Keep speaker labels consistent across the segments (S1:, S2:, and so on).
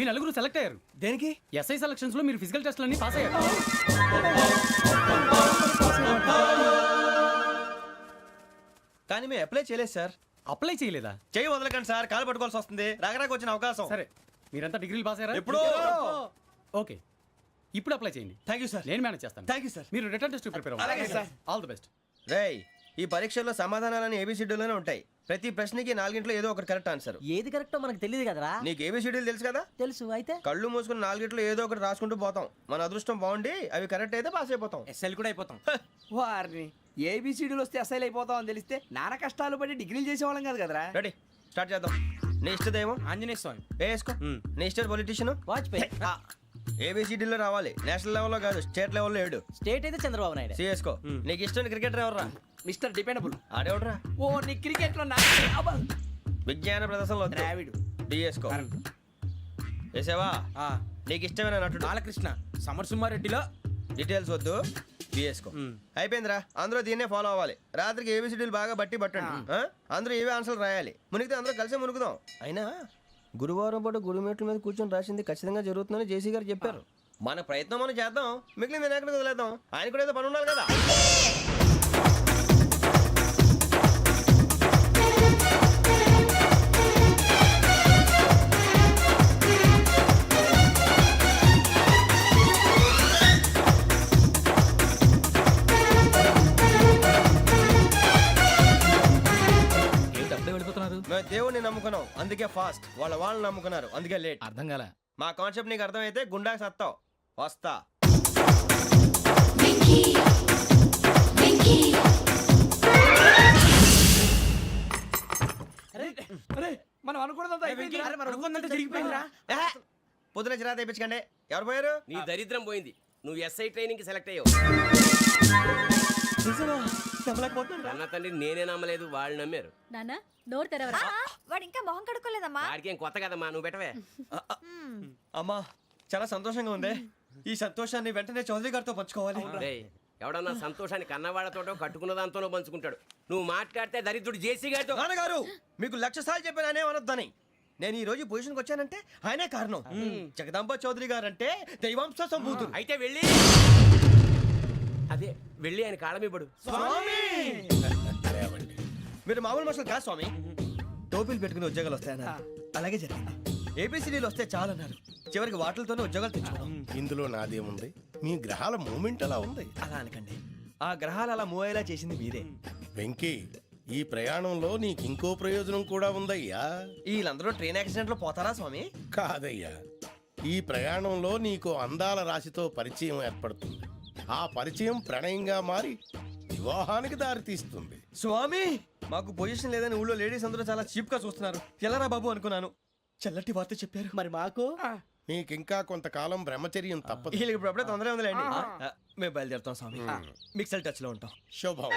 S1: నలుగురు సెలెక్ట్ అయ్యారు.
S2: దేనికి?
S1: ఎస్ఐ సెలక్షన్స్ లో మీరు ఫిజికల్ టెస్ట్లన్నీ పాస్ అయ్యారు.
S2: కానీ మేము అప్లై చేయలేదు సార్.
S1: అప్లై చేయలేదా?
S2: చేయి వదలకండి సార్, కాలు పట్టుకోవాల్సి వస్తుంది. రాగరాకు వచ్చిన అవకాశం.
S1: సరే, మీరంతా డిగ్రీలు పాస్ అయ్యారా?
S2: ఎప్పుడో.
S1: ఓకే, ఇప్పుడు అప్లై చేయండి.
S2: Thank you sir.
S1: నేను మేనేజ్ చేస్తాను.
S2: Thank you sir.
S1: మీరు రిటర్న్ టెస్ట్ ప్రిపేర్
S2: అలాగే
S1: అవ్వండి.
S2: సార్.
S1: All the best.
S2: రేయ్, ఈ పరీక్షల్లో సమాధానాలని ఏబిసిడ్యూల్లోనే ఉంటాయి. ప్రతి ప్రశ్నకి 4 ఏదో ఒకటి కరెక్ట్ ఆన్సర్.
S3: ఏది కరెక్టో మనకు తెలియదు కదరా.
S2: నీకు ఏబిసిడ్యూల్ తెలుసు కదా?
S3: తెలుసు. అయితే
S2: కళ్ళు మూసుకుని 4 ఏదో ఒకటి రాసుకుంటూ పోతాం. మన అదృష్టం బాగుండి అవి కరెక్ట్ అయితే పాస్ అయిపోతాం.
S4: ఎస్ఎల్ కూడా అయిపోతాం. వారిని ఏబిసిడీలు వస్తే ఎస్ఐలు అయిపోతాం అని తెలిస్తే నాన్న కష్టాలు పడి డిగ్రీలు చేసేవాళ్ళం కాదు కదరా.
S2: రెడీ, స్టార్ట్ చేద్దాం. నీ ఇష్టదేమో
S4: ఆంజనేయ స్వామి.
S2: వేసుకో. నీ ఇష్ట పొలిటీషియన్
S3: వాజ్పేయి.
S2: ఏబిసిడీలో రావాలి. నేషనల్ లెవెల్లో కాదు, స్టేట్ లెవెల్లో 7.
S3: స్టేట్ అయితే చంద్రబాబు నాయుడు.
S2: సిఎస్కో. నీకు ఇష్టం క్రికెటర్ ఎవర్రా?
S4: Mister dependable.
S2: ఆడేవడరా?
S4: ఓ నీ క్రికెట్ లో
S2: విజ్ఞాన ప్రదర్శనలో
S4: ద్రావిడు.
S2: డిఎస్కో. వేసావా? నీకు ఇష్టమైన నటుడు?
S4: బాలకృష్ణ. సమర్సుమారెడ్డిలో
S2: డీటెయిల్స్ వద్దు, బిఎస్కో. అయిపోయిందిరా, అందరూ దీన్నే ఫాలో అవ్వాలి. రాత్రికి ఏబిసిడీలు బాగా బట్టి పట్టండి. అందరూ ఏవే ఆన్సర్లు రాయాలి. మునిగితే అందరూ కలిసే మునుగుదాం. అయినా గురువారం పాటు గురుమేట్ల మీద కూర్చొని రాసింది ఖచ్చితంగా జరుగుతుందని జేసీ గారు చెప్పారు. మన ప్రయత్నం మనం చేద్దాం, మిగిలింది నేను ఎక్కడికి వదిలేద్దాం. ఆయన కూడా ఏదో పని ఉండాలి కదా. మేము దేవుడిని నమ్ముకున్నాం, అందుకే ఫాస్ట్. వాళ్ళని నమ్ముకున్నారు, అందుకే లేట్.
S1: అర్థం కాలే.
S2: మా కాన్సెప్ట్ నీకు అర్థమైతే గుండా సత్తావు. వస్తా.
S4: మనం అనుకున్నదంతా జరిగిపోయిందిరా.
S2: పొద్దున చిరా తెప్పించకండి. ఎవరు పోయారు?
S5: నీ దరిద్రం పోయింది. నువ్వు ఎస్ఐ ట్రైనింగ్ సెలెక్ట్ అయ్యావు. అన్న తండ్రి నేనే నమ్మలేదు, వాళ్ళు నమ్మారు.
S6: నాన్న నోరు తెరవరా.
S7: వాడు ఇంకా మొహం కడుక్కోలేదమ్మా.
S5: వాడికి ఏం కొత్త కదమ్మా, నువ్వు పెట్టవే.
S2: అమ్మా, చాలా సంతోషంగా ఉంది. ఈ సంతోషాన్ని వెంటనే చౌదరి గారితో పంచుకోవాలి.
S5: రేయ్, ఎవడన్నా సంతోషాన్ని కన్నవాళ్లతోటో కట్టుకున్న దాంతోనో పంచుకుంటాడు. నువ్వు మాట్లాడితే దరిద్రుడు జేసీ గారితో.
S2: నాన్నగారు, మీకు 1,00,000 సార్లు చెప్పాను అనొద్దని. నేను ఈ రోజు పొజిషన్కి వచ్చానంటే ఆయనే కారణం. జగదాంబ చౌదరి గారు అంటే దైవాంశ సంభూతుడు.
S5: అయితే వెళ్ళి వెళ్ళి ఆయన కాళ్ళమివ్వడు.
S2: మీరు మామూలు మనుషులు కాదు స్వామి. టోపీలు పెట్టుకుని ఉద్యోగాలు వస్తాయన్నారు, అలాగే జరిగింది. ఏబిసిడీలు వస్తే చాలన్నారు, చివరికి వాటిలతోనే ఉద్యోగాలు తెచ్చుకున్నాం.
S8: ఇందులో నాదేముంది? మీ గ్రహాల మూమెంట్ అలా ఉంది.
S2: అలా అనకండి, ఆ గ్రహాలు అలా మూవ్ అయ్యేలా చేసింది మీరే.
S8: వెంకీ, ఈ ప్రయాణంలో నీకు ఇంకో ప్రయోజనం కూడా ఉందయ్యా.
S2: వీళ్ళందరూ ట్రైన్ యాక్సిడెంట్ లో పోతారా స్వామి?
S8: కాదయ్యా, ఈ ప్రయాణంలో నీకు అందాల రాశితో పరిచయం ఏర్పడుతుంది. ఆ పరిచయం ప్రణయంగా మారి వివాహానికి దారితీస్తుంది.
S2: స్వామి, మాకు పొజిషన్ లేదని ఊళ్ళో లేడీస్ అందరూ చాలా చీప్ గా చూస్తున్నారు. ఎలారా బాబు అనుకున్నాను. చల్లటి వార్త చెప్పారు.
S3: మరి మాకు
S8: నీకింకా కొంతకాలం బ్రహ్మచర్యం తప్పదు.
S2: వీళ్ళకి ఇప్పుడు అప్పుడే తొందరగా ఉందిలేండి. మేము బయలుదేరుతాం స్వామి. మిక్సెల్ టచ్ లో ఉంటాం.
S8: శుభం.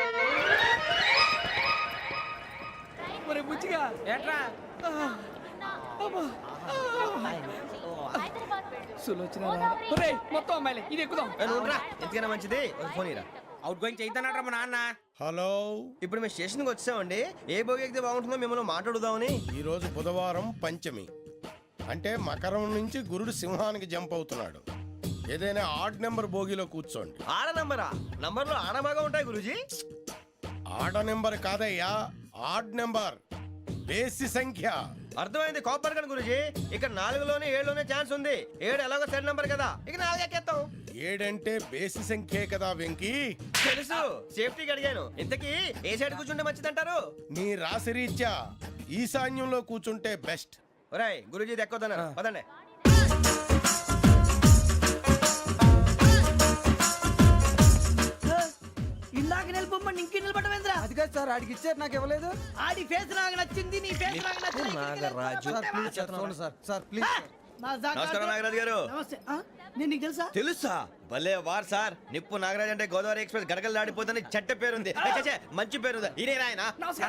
S4: మరి బుచ్చిగా ఏట్రా మొత్తం అమ్మాయిలే, ఇది ఎక్కుదాం.
S2: ఎందుకైనా మంచిది, ఫోన్ ఇరా.
S4: అవుట్ గోయింగ్ చేద్దానట్రా మా నాన్న.
S8: హలో,
S2: ఇప్పుడు మేము స్టేషన్కి వచ్చామండి. ఏ బోగి ఎక్కితే బాగుంటుందో మిమ్మల్ని మాట్లాడుదామని.
S8: ఈరోజు బుధవారం పంచమి, అంటే మకరం నుంచి గురుడు సింహానికి జంప్ అవుతున్నాడు. ఏదైనా ఆడ్ నెంబర్ బోగిలో కూర్చోండి.
S2: ఆడ నంబరా? నంబర్లో ఆడ బాగా ఉంటాయి గురూజీ.
S8: ఆడ నెంబర్ కాదయ్యా, ఆడ్ నెంబర్, బేసి సంఖ్య.
S2: అర్థమైంది, కాపర్ కానీ గురూజీ. ఇక్కడ 4లోనే 7లోనే ఛాన్స్ ఉంది. 7 ఎలాగో సెడ్ నంబర్ కదా, ఇక 4 ఎక్కేస్తాం.
S8: 7 అంటే బేసి సంఖ్యే కదా వెంకీ.
S2: తెలుసు, సేఫ్టీకి అడిగాను. ఇంతకీ ఏ సైడ్ కూర్చుంటే మంచిదంటారు?
S8: నీ రాశి రీత్యా ఈశాన్యంలో కూర్చుంటే బెస్ట్.
S2: ఒరేయ్, గురూజీ దెక్కొద్దన్నారు, పదండి.
S3: ఇందాక నిలబొమ్మని ఇంకే నిలబడమేంద్రా?
S4: అది కాదు సార్, ఆడికి ఇచ్చారు, నాకు ఇవ్వలేదు.
S3: ఆడి ఫేస్ నాకు నచ్చింది, నీ ఫేస్ నాకు నచ్చింది.
S2: నాగరాజు.
S4: Sir please.
S2: నమస్కారం నాగరాజు గారు.
S3: నమస్తే. నేను నీకు తెలుసా?
S2: తెలుసా? భలే వార్ సార్. నిప్పు నాగరాజ్ అంటే గోదావరి ఎక్స్ప్రెస్ గడగలు దాడిపోతుంది చెట్ట పేరుంది. మంచి పేరుంది. ఇదే ఆయన.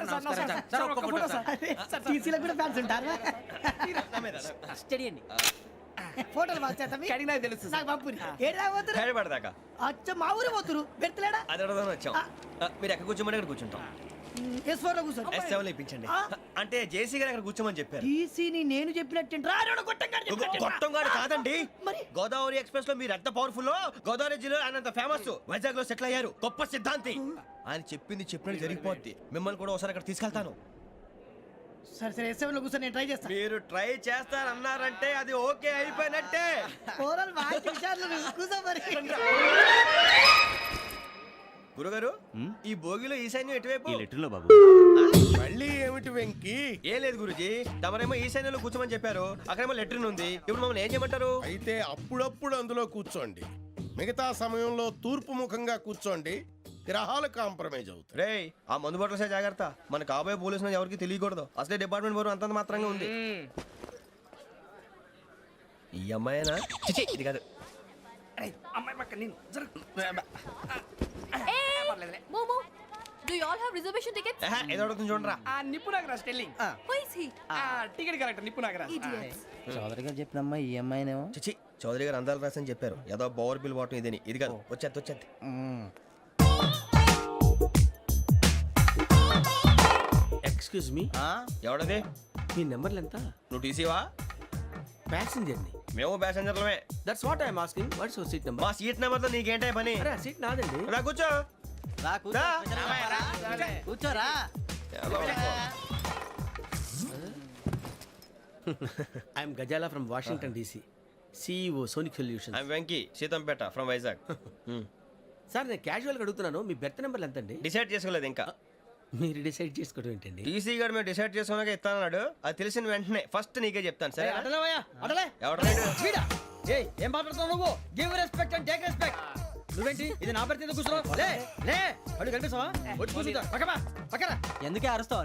S3: టీసీలో కూడా ఫ్యాన్స్ ఉంటారా? స్టడీ అండి. ఫోటోలు
S4: అడిగినా తెలుసు.
S3: నాకు పంపుని. ఏడా పోతురు?
S2: హైదరాబాద్ దాకా.
S3: అచ్చ మా ఊరు పోతురు. పెడతలేడా?
S2: అది అడగదామని వచ్చాం. మీరు ఎక్కడ కూర్చోమని అక్కడ కూర్చుంటాం.
S3: S4 లో కూర్చోండి
S2: S7 లో ఇప్పించండి అంటే జేసీ గారు అక్కడ కూర్చోమని చెప్పారు.
S3: టీసీని నేను చెప్పినట్టు రాడు
S2: గొట్టం గారు కాదండి,
S3: మరి?
S2: గోదావరి ఎక్స్ప్రెస్ లో మీరు ఎంత పవర్ఫుల్, గోదావరి జిల్లా ఆయన అంత ఫేమస్, వైజాగ్ లో సెటిల్ అయ్యారు, గొప్ప సిద్ధాంతి. ఆయన చెప్పింది చెప్పినట్టు జరిగిపోద్ది. మిమ్మల్ని కూడా ఒకసారి అక్కడ తీసుకెళ్తాను.
S3: సరే సరే S7 లో కూర్చొని నేను ట్రై చేస్తాను.
S2: మీరు ట్రై చేస్తారన్నారంటే అది ఓకే అయిపోయినట్టే.
S3: ఓవరాల్ బాగా చూశారు నువ్వు. కూర్చో మరి.
S2: గురుగారు ఈ భోగిలో ఈశాన్యం ఎటువైపు?
S8: మళ్ళీ ఏమిటి వెంకీ?
S2: ఏం లేదు గురుజీ, తమరేమో ఈశాన్యంలో కూర్చోమని చెప్పారు, అక్కడేమో లెట్రిన్ ఉంది. ఇప్పుడు మమ్మల్ని ఏం చేయమంటారు?
S8: అయితే అప్పుడప్పుడు అందులో కూర్చోండి, మిగతా సమయంలో తూర్పు ముఖంగా కూర్చోండి. గ్రహాలు కాంప్రమైజ్ అవుతాయి.
S2: రేయ్ ఆ మందు బాటలసే జాగ్రత్త, మన కాబోయే పోలీసులు ఎవరికి తెలియకూడదు. అసలే డిపార్ట్మెంట్ బోరు అంతంత మాత్రంగా ఉంది. ఈ అమ్మాయినా? చిచి, ఇది కాదు.
S4: అమ్మాయి పక్క నేను
S7: మోమో do you all have reservation tickets?
S2: ఏదో అడుగుతుంది చూడరా.
S4: నిప్పు Nagaraj telling
S7: who is he?
S4: Ticket correct నిప్పు నాగరాజ్.
S7: ఇడియట్స్.
S3: చౌదరి గారు చెప్పినమ్మా ఈ అమ్మాయినేమో.
S2: చిచి, చౌదరి గారు అందాలు రాసని చెప్పారు. ఏదో బోర్ బిల్ బాటం ఇదని. ఇది కాదు, వచ్చేది.
S5: Excuse me,
S2: ఎవడది?
S5: మీ నెంబర్లు ఎంత?
S2: నువ్వు టీసీవా?
S5: ప్యాసింజర్ ని.
S2: మేము ప్యాసెంజర్లమే.
S5: That's what I'm asking. What's your seat number?
S2: మా సీట్ నెంబర్తో నీకేంటే పని?
S5: అరే ఆ సీట్ నాదండి.
S2: రా కూర్చో. రా.
S3: కూర్చోరా.
S5: I'm Gazala from Washington DC, CEO Sonic Solution.
S2: I'm Venky, Seethampeta from Vizag.
S5: Sir నేను క్యాజువల్గా అడుగుతున్నాను, మీ బెర్త్ నెంబర్లు ఎంత అండి?
S2: డిసైడ్ చేసుకోలేదు ఇంకా.
S5: మీరు డిసైడ్ చేసుకోవడం ఏంటండి?
S2: టీసీ గారు మేము డిసైడ్ చేసుకున్నాక ఇస్తానన్నాడు. అది తెలిసిన వెంటనే ఫస్ట్ నీకే చెప్తాను. సరే
S3: అడలేవయ్యా అడలే.
S2: ఎవడ
S3: వీడా? ఏయ్ ఏం మాట్లాడుతున్నావు నువ్వు? Give respect and take respect. నువ్వేంటి ఇది నా పరిస్థితి కూర్చున్నావు? లే లే అడుగు కనిపిస్తావా? వచ్చి కూర్చుంటా. పక్కమా పక్కన.
S4: ఎందుకే అరుస్తావు?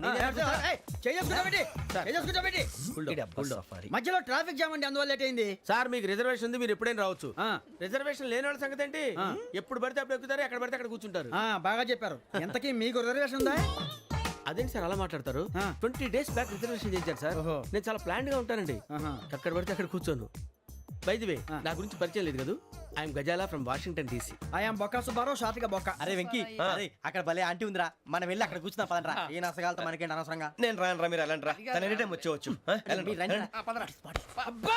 S3: మధ్యలో ట్రాఫిక్ జామ్ అండి, అందువల్ల లేట్ అయింది.
S5: సార్ మీకు రిజర్వేషన్ ఉంది, మీరు ఎప్పుడైనా రావచ్చు. రిజర్వేషన్ లేని వాళ్ళ సంగతి ఏంటి? ఎప్పుడు పడితే అప్పుడు ఎక్కుతారు, ఎక్కడ పడితే అక్కడ కూర్చుంటారు.
S3: బాగా చెప్పారు. ఎంతకీ మీకు రిజర్వేషన్ ఉందా?
S5: అదేంటి సార్ అలా మాట్లాడతారు? 20 days బ్యాక్ రిజర్వేషన్ చేశారు సార్. నేను చాలా ప్లాన్డ్ గా ఉంటానండి, ఎక్కడ పడితే అక్కడ కూర్చోను. బై ది వే నా గురించి పరిచయం లేదు కదా, I'm Gazala from Washington DC.
S3: I'm Bokka Subbarao, షాతిక బొక్క.
S4: అరే వెంకీ, అక్కడ భలే ఆంటీ ఉందిరా, మనం వెళ్ళి అక్కడ కూర్చున్నా పదనరా. ఏ నసగాలతో మనకేంటి అనవసరంగా.
S2: నేను రాను రా, మీరు వెళ్ళండి రా. తన ఎనీ టైం వచ్చేవచ్చు.
S4: అబ్బా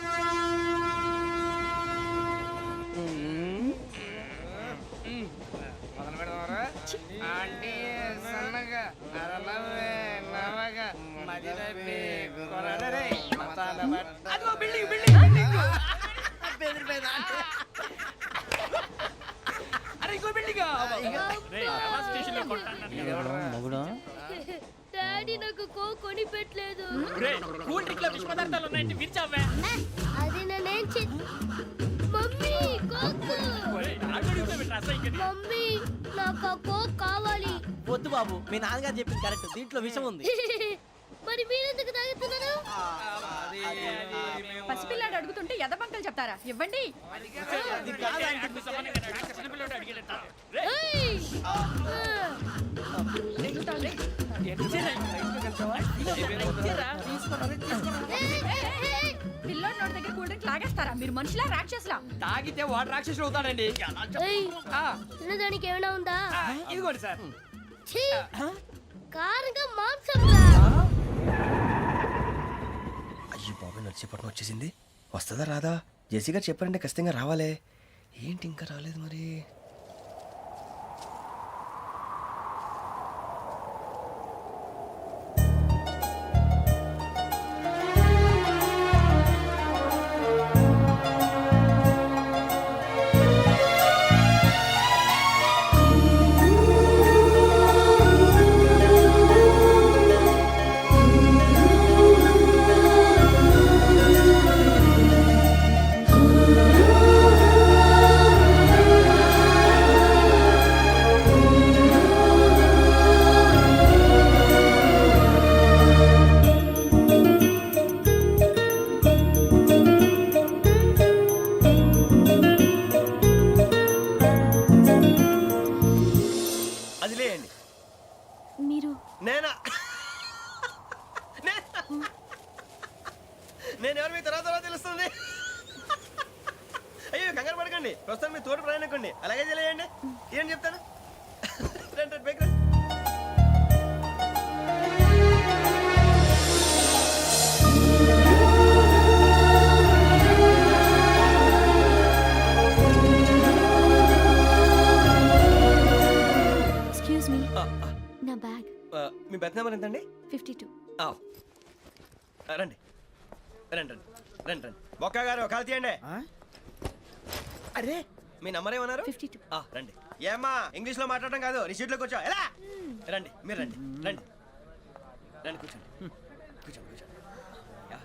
S6: డాడీ నాకు కొని పెట్టలేదు.
S4: కూల్ డ్రింక్ లో విష పదార్థాలు ఉన్నాయంటే విరిచావే.
S6: అది నేనేం మమ్మీ కోక్. మమ్మీ నాకు ఆ కోక్ కావాలి.
S3: వద్దు బాబు, మీ నాన్నగారు చెప్పింది కరెక్ట్, దీంట్లో విషయం ఉంది.
S6: మరి మీరెందుకు తాగుతున్నారు?
S7: పసిపిల్లాడు అడుగుతుంటే ఎదబంకలు చెప్తారా? ఇవ్వండి.
S6: ఏయ్!
S7: పిల్లోడి నోటి దగ్గర కూల్ డ్రింక్ లాగేస్తారా? మీరు మనుషులా రాక్షసులా?
S4: తాగితే వాడు రాక్షసుడు అవుతాడండి.
S6: ఏయ్! తినడానికి ఏమైనా ఉందా?
S4: ఇదిగోండి సార్.
S6: ఛీ! కారంగా మాంసం రా.
S2: అయ్యి బాబు, నడిచేపట్నం వచ్చేసింది. వస్తుందా రాదా? జేసీ గారు చెప్పారంటే ఖచ్చితంగా రావాలే. ఏంటి ఇంకా రాలేదు మరి? అది లేయండి.
S6: మీరు
S2: నేనా? నేను ఎవరు మీ తర్వాత తెలుస్తుంది. అయ్యో కంగారు పడకండి, ప్రస్తుతం మీ తోటి ప్రయాణకండి. అలాగే తెలియండి. ఏం చెప్తాను. రండి, రండి, బైక్ రండి.
S6: నా బ్యాగ్
S2: మీ బెత్ నెంబర్ ఎంతండి?
S6: 52.
S2: ఆ, రండి రండి రండి రండి రండి బొక్క గారు కాల్ తీయండి.
S3: అరే
S2: మీ నంబర్ ఏమన్నారు?
S6: 52.
S2: రండి. ఏమ్మా ఇంగ్లీష్ లో మాట్లాడడం కాదు, నీ సీట్లో కూర్చో. ఎలా రండి, మీరు రండి రండి రండి కూర్చోండి కూర్చోండి కూర్చోండి. యా.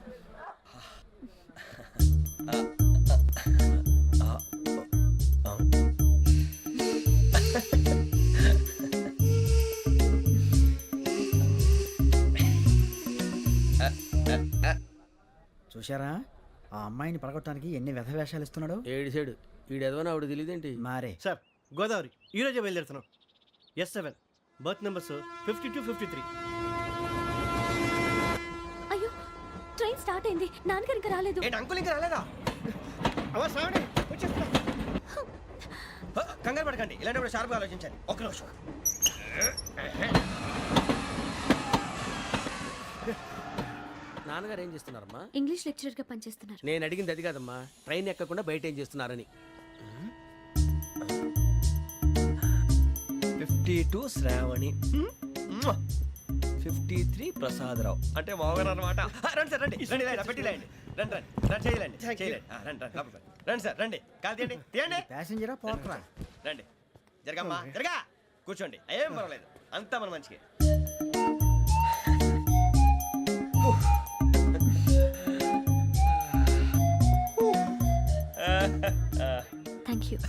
S3: చూశారా ఆ అమ్మాయిని పడగొట్టడానికి ఎన్ని వ్యధ వేషాలు ఇస్తున్నాడు.
S5: ఏడు సైడు ఈడెదవని ఆవిడ తెలియదేంటి?
S3: మారే
S9: సార్ గోదావరి ఈరోజే బయలుదేరుతున్నాం. S7 berth numbers 52, 53.
S6: అయ్యో ట్రైన్ స్టార్ట్ అయింది, నాన్నగారు ఇంకా రాలేదు.
S2: ఏంటి అంకుల్ ఇంకా రాలేదా? కంగారు పడకండి, ఇలాంటప్పుడు షార్ప్గా ఆలోచించండి. ఒక్క నిమిషం.
S5: నాన్నగారు ఏం చేస్తున్నారమ్మా?
S6: ఇంగ్లీష్ లెక్చరర్ గా పనిచేస్తున్నారు.
S5: నేను అడిగింది అది కాదమ్మా, ట్రైన్ ఎక్కకుండా బయట ఏం చేస్తున్నారని.
S2: 52 శ్రావణి, 53 ప్రసాదరావు అంటే మామగారు అనమాట. రండి సార్ రండి రండి, ఇలా పెట్టి లేండి. రండి రండి రండి, చేయలేండి చేయలేండి. రండి రండి లోపలికి రండి. రండి సార్ రండి, కాల్ తీయండి తీయండి.
S3: ప్యాసింజరా పోట్రా.
S2: రండి జరగమ్మా జరగా, కూర్చోండి. ఏం పర్వాలేదు, అంతా మన మంచిగా.
S6: Thank you.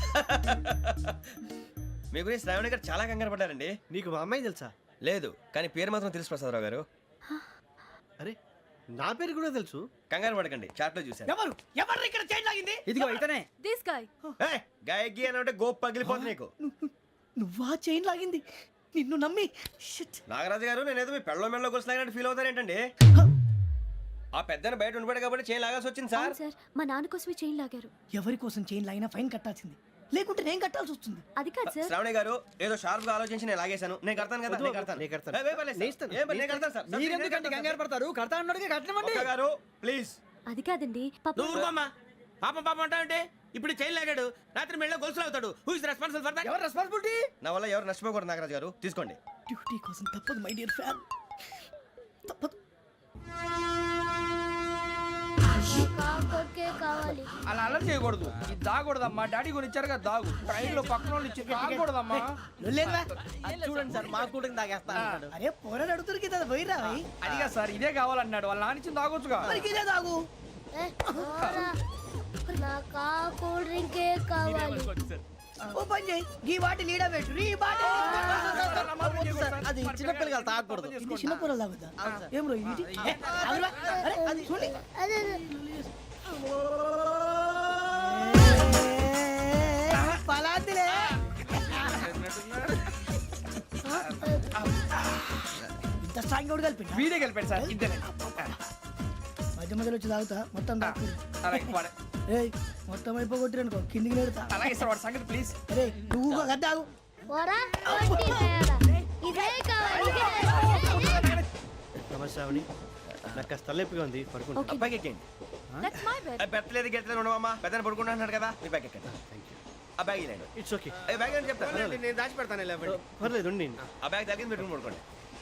S2: మీ గురించి శ్రావణి గారు చాలా కంగారు పడ్డారండి.
S9: నీకు మా అమ్మాయి తెలుసా?
S2: లేదు, కానీ పేరు మాత్రం తెలుసు ప్రసాదరావు గారు.
S9: అరే నా పేరు కూడా తెలుసు.
S2: కంగారు పడకండి, చాట్లో చూశాను.
S3: ఎవరు ఎవరు ఇక్కడ చైన్ లాగింది? ఇదిగో ఇతనే.
S7: This guy.
S2: గాయకి అని అంటే గోప్ పగిలిపోతుంది నీకు.
S3: నువ్వా చైన్ లాగింది? నిన్ను నమ్మి
S2: నాగరాజు గారు, నేనేదో మీ పెళ్ళ మెళ్ళ కొలిసినట్టు ఫీల్ అవుతారేంటండి? ఆ పెద్దని బయట ఉండిపోయాడు కాబట్టి చైన్ లాగాల్సి వచ్చింది సార్.
S6: అవును సార్, మా నాన్న కోసమే చైన్ లాగారు.
S3: ఎవరి కోసం చైన్ లాగినా ఫైన్ కట్టాల్సింది, లేకుంటే నేను కట్టాల్సి వస్తుంది.
S6: అది కాదు సార్.
S2: శ్రావణి గారు ఏదో షార్ప్ గా ఆలోచించి నేను లాగేశాను. నేను కడతాను కదా, నేను కడతాను.
S9: నేను కడతాను.
S2: ఏ, పర్లేదు సార్. ఏం పర్లేదు, నేను కడతాను సార్.
S3: మీరెందుకంటే కంగారు పడతారు? కడతా అన్నాడుగా కట్టమండి.
S2: ఒక్క గారు ప్లీజ్.
S6: అది కాదండి పాప.
S5: నువ్వు ఊరుకోమ్మా. పాపం పాపం అంటావంటే ఇప్పుడు చైన్ లాగాడు, రాత్రి మెళ్ళ గొలుసులు అవుతాడు. Who is responsible for that?
S3: ఎవరు రెస్పాన్సిబిలిటీ?
S2: నా వల్ల ఎవరు నష్టపోకూడదు నాగరాజు గారు, తీసుకోండి.
S3: డ్యూటీ కోసం తప్పదు మై డియర్ ఫ్యాన్, తప్పదు.
S6: కాకొక్కే కావాలి.
S4: అలా అలర్ట్ చేయకూడదు. ఇది దాగకూడదమ్మా, డాడీ కొని ఇచ్చారు కదా దాగు. ట్రైన్ లో పక్కన వాళ్ళు ఇచ్చి దాగకూడదమ్మా.
S3: చూడండి సార్, మా కూడా తాగేస్తా. అరే పోరాడు అడుగుతారు కదా, పోయిరా.
S4: అదిగా సార్, ఇదే కావాలన్నాడు. వాళ్ళ నానిచ్చింది తాగొచ్చుగా.
S3: ఇదే తాగు.
S6: ఏ, పోరా. నాకు ఆ కూల్ డ్రింకే కావాలి.
S3: ఓ పని చేయి, ఈ బాటి లీడ పెట్టు. ఈ బాటి
S9: అది చిన్నపిల్లలు తాగకూడదు.
S3: ఇది చిన్న పొరలు తాగుతా. ఏం రో ఇది? అరే అది చూడండి.
S6: అదే
S3: పలాతిలే. ఇంత స్ట్రాంగ్ కూడా కలిపి
S4: వీడే గెలిపాడు సార్, ఇద్దరే.
S3: మధ్య మధ్యలో వచ్చి తాగుతా, మొత్తం తాగు.
S4: అలాగే వాడు.
S3: ఏయ్ మొత్తం అయిపోగొట్టిరనుకో కిందికి నేడుతా.
S4: అలాగే సార్, వాడు సంగతి ప్లీజ్.
S3: అరే నువ్వు కదా తాగు.
S6: పోరా, వడ్డీ తేడా. ఇదే కావాలి, ఇదే.
S9: నమస్తే శ్రావణి, నాకు కాస్త తలెప్పిగా ఉంది, పడుకుంటా.
S6: ఓకే.
S2: బ్యాగ్ ఎక్కండి.
S7: That's my bed.
S2: పెట్టలేదు గెట్టలేదు ఉండవమ్మా. పెద్దని పడుకుంటున్నాడు కదా, మీ బ్యాగ్ ఎక్కండి. ఆ బ్యాగ్ ఇలాండి.
S9: It's okay.
S2: బ్యాగ్ అని చెప్తాను.
S5: నేను దాచి పెడతాను.
S9: పర్లేదు ఉండి.
S2: ఆ బ్యాగ్ తగ్గింది పెట్టుకుని పడుకోండి.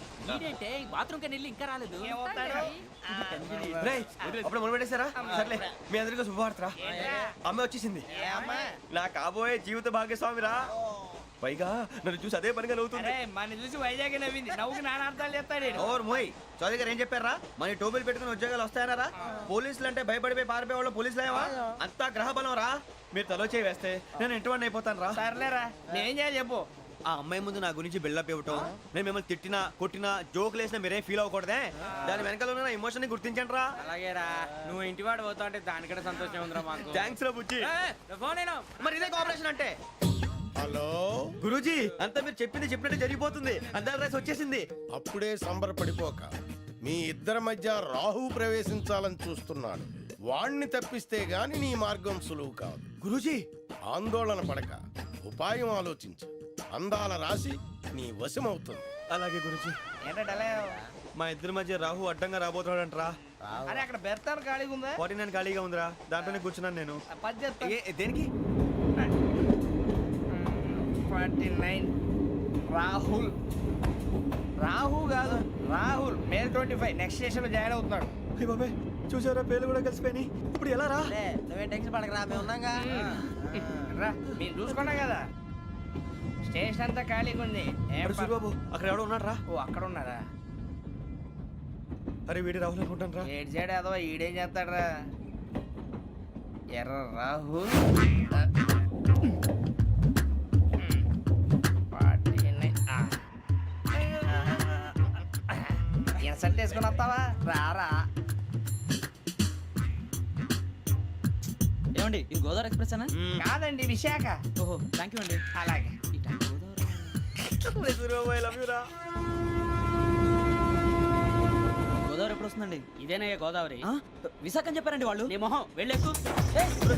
S2: రేయ్, అప్పుడు మొదలు పెట్టేశారా? సర్లే, మీ అందరికీ శుభవార్తరా. అమ్మ వచ్చేసింది, నా కాబోయే జీవిత భాగ్యస్వామిరా. పైగా నన్ను చూసి అదే పనిగా నవ్వుతుంది.
S4: మన చూసి వైజాగ్ నవ్వింది. నవ్వుకి నాన్న అర్థాలు చెప్తాడు.
S2: ఓర్ మోయ్, చౌదరి గారు ఏం చెప్పారా? మన టోబీలు పెట్టుకుని ఉద్యోగాలు వస్తాయనరా? పోలీసులు అంటే భయపడిపోయి పారిపోయే వాళ్ళు పోలీసులు ఏవా? అంతా గ్రహ బలం రా. మీరు తలో చేయి వేస్తే నేను ఇంటివాడిని అయిపోతాను రా.
S4: సర్లేరా, నేనేం చేయాలి చెప్పు.
S2: ఆ అమ్మాయి ముందు నా గురించి బిల్డప్ ఇవ్వటం, నేను మిమ్మల్ని తిట్టినా కొట్టినా జోకులు వేసినా మీరేం ఫీల్ అవ్వకూడదే. దాని వెనకాల ఉన్న ఎమోషన్ ని గుర్తించండి రా.
S4: అలాగేరా, నువ్వు ఇంటివాడు పోతా అంటే దానికంటే సంతోషం ఉందిరా మాకు.
S2: థ్యాంక్స్ రా బుజ్జి.
S4: ఫోన్ అయినా
S2: మరి ఇదే కోఆపరేషన్ అంటే.
S8: హలో
S2: గురూజీ, అంతా మీరు చెప్పింది చెప్పినట్టు జరిగిపోతుంది. అందాల రైస్ వచ్చేసింది.
S8: అప్పుడే సంబరపడిపోక. మీ ఇద్దరి మధ్య రాహు ప్రవేశించాలని చూస్తున్నాడు. వాణ్ణి తప్పిస్తే గాని నీ మార్గం సులువు కాదు.
S2: గురూజీ,
S8: ఆందోళన పడక, ఉపాయం ఆలోచించు. అందాల రాశి నీ వశమవుతుంది.
S2: అలాగే గురూజీ.
S4: ఏంటంటే
S2: మా ఇద్దరి మధ్య రాహు అడ్డంగా రాబోతున్నాడంట్రా.
S4: అరే అక్కడ బెర్తాను ఖాళీగా ఉందా?
S2: 49 ఖాళీగా ఉందిరా, దాంట్లోనే కూర్చున్నాను నేను.
S4: పద్దెత్తా.
S2: దేనికి?
S4: 49 రాహుల్ రాహు కాదు రాహుల్ మే 25 నెక్స్ట్ స్టేషన్ లో జాయిన్ అవుతున్నాడు.
S3: చూసారా పేర్లు కూడా కలిసిపోయినాయి. ఇప్పుడు ఎలా రా?
S2: నువ్వేం టెన్షన్ పడకరా మేము ఉన్నాగా.
S4: రా మీరు చూసుకున్నా కదా స్టేషన్ అంతా ఖాళీగా ఉంది. ఏం ప-
S3: సూరిబాబు అక్కడ ఎవడో ఉన్నాడు రా.
S4: ఓ అక్కడ ఉన్నారా?
S3: అరే వీడి రాహుల్ అనుకుంటాను రా.
S4: ఏడు సైడ్ ఏదో ఈడేం చేస్తాడరా ఎర్ర రాహుల్. ఇన్సల్ట్ వేసుకుని వస్తావా? రారా.
S3: ఏమండి ఇది గోదావరి ఎక్స్ప్రెస్ అనా?
S4: కాదండి విశాఖ.
S3: ఓహో థ్యాంక్ యూ అండి.
S4: అలాగే
S3: గోదావరి ఎప్పుడు వస్తుందండి?
S5: ఇదేనయ్య గోదావరి
S3: విశాఖ అని చెప్పారండి వాళ్ళు.
S5: నీ మొహం వెళ్ళెక్కు.